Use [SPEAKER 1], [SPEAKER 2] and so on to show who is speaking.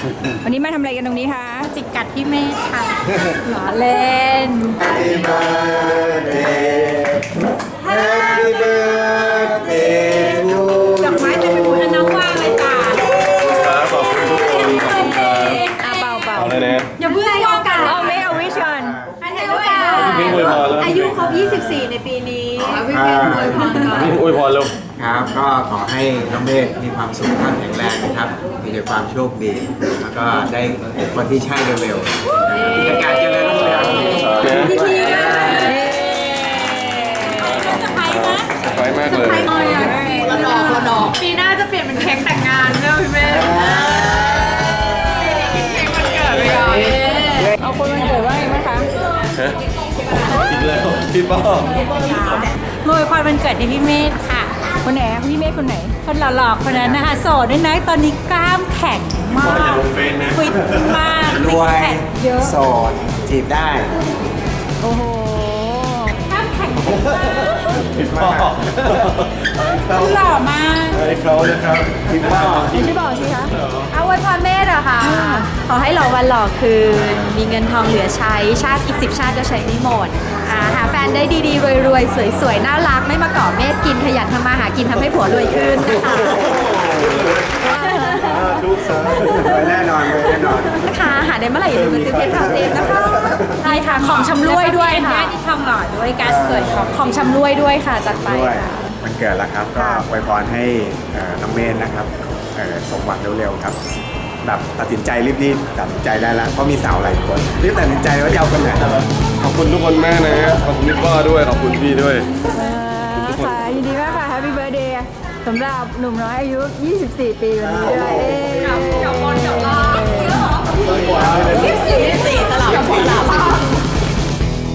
[SPEAKER 1] วันนี้มาทำอะไรกันตรงนี้คะ
[SPEAKER 2] จิกกัดพี่เมฆค่ะหล่อเล่น
[SPEAKER 3] Happy birthday Happy birthday to
[SPEAKER 2] ดอกไม้จะเป็นบุญน้ำว่างเลยจ้า
[SPEAKER 4] ครับขอบคุณทุกคนขอบคุณครับ
[SPEAKER 1] เปล่า
[SPEAKER 4] เอาเลยนะ
[SPEAKER 2] อย่าเพิ่งให้โอกาส
[SPEAKER 1] เอาไม่เอาวิชอน
[SPEAKER 2] ให้โอกาส
[SPEAKER 4] พี่อวยพรแล้ว
[SPEAKER 2] อายุครบ 24 ในปีนี้พี่เมฆอวยพรก่อน
[SPEAKER 4] พี่อวยพรแล้ว
[SPEAKER 3] ครับก็ขอให้น้องเมฆมีความสุขภาพแข็งแรงนะครับ มีแต่ความโชคดี แล้วก็ได้พบคนที่ใช่เร็วๆกิจการเจริญรุ่งเรือง
[SPEAKER 2] พี่พีสไปไหม
[SPEAKER 4] สบายมากเลย
[SPEAKER 2] ละดอกปีหน้าจะเปลี่ยนเป็นเค้กแต่งงานเนอะพี่เมฆกินเค้กวันเกิดไปก่อน
[SPEAKER 1] เอาคนวันเกิดว่าไงบ้างคะ
[SPEAKER 4] ฮะอีกแล้วพี่ป้อ
[SPEAKER 2] โวยพรวันเกิดให้พี่เมฆค่ะ
[SPEAKER 1] คนไหนอะพี่เมฆคนไหน
[SPEAKER 2] คนหล่อๆคนนั้นนะคะโสดด้วยนะตอนนี้กล้ามแข็งมา
[SPEAKER 4] อย่าก ลงเฟซนะ
[SPEAKER 2] ฟิตมาก
[SPEAKER 3] รวย
[SPEAKER 2] ซิกแพคเยอะ
[SPEAKER 3] โสดจีบได้
[SPEAKER 1] โอ้โห
[SPEAKER 2] กล้ามแข็ง
[SPEAKER 4] พี่ป้อ
[SPEAKER 2] หล่อมาก
[SPEAKER 4] ให้เขานะครับพี่ป้อ
[SPEAKER 1] ไม่บอกสิคะ
[SPEAKER 2] เอาไว้พรเมธอะค่ะ ขอให้หล่อวันหล่อคืน มีเงินทองเหลือใช้ชาติอีก10 ชาติก็ใช้ไม่หมดหาแฟนได้ดีๆรวยๆสวยๆน่ารักไม่มาเกาะเมธกินขยันทำมาหากินทำให้ผัวรวยขึ้นนะคะ
[SPEAKER 4] ทุกสา
[SPEAKER 3] รวยแน่นอนรวยแน่นอน
[SPEAKER 2] นะคะหาได้เมื่อไหร่อย่าลืมมาซื้อเพชรทองเจมส์นะคะได้ค่ะของชำร่วยด้วยค่ะที่ทองหล่อด้วยการสวยของชำร่วยด้วยค่ะจัดไป
[SPEAKER 3] ด้วย
[SPEAKER 2] ค่ะ
[SPEAKER 3] มันเกิดแล้วครับ ก็อวยพรให้น้องเมนนะครับสมหวังเร็วๆครับแบบตัดสินใจรีบๆตัดสินใจได้แล้วเพราะมีสาวหลายคนรีบตัดสินใจว่าจะเอาคนไหน
[SPEAKER 4] ขอบคุณทุกคนมากนะขอบคุณพี่ป้อด้วยขอบคุณพี่ด้วย
[SPEAKER 1] ค่ะยินดีมากค่ะ Happy Birthday สำหรับหนุ่มน้อยอายุ 24 ปีวันนี้ด้วย
[SPEAKER 2] กับ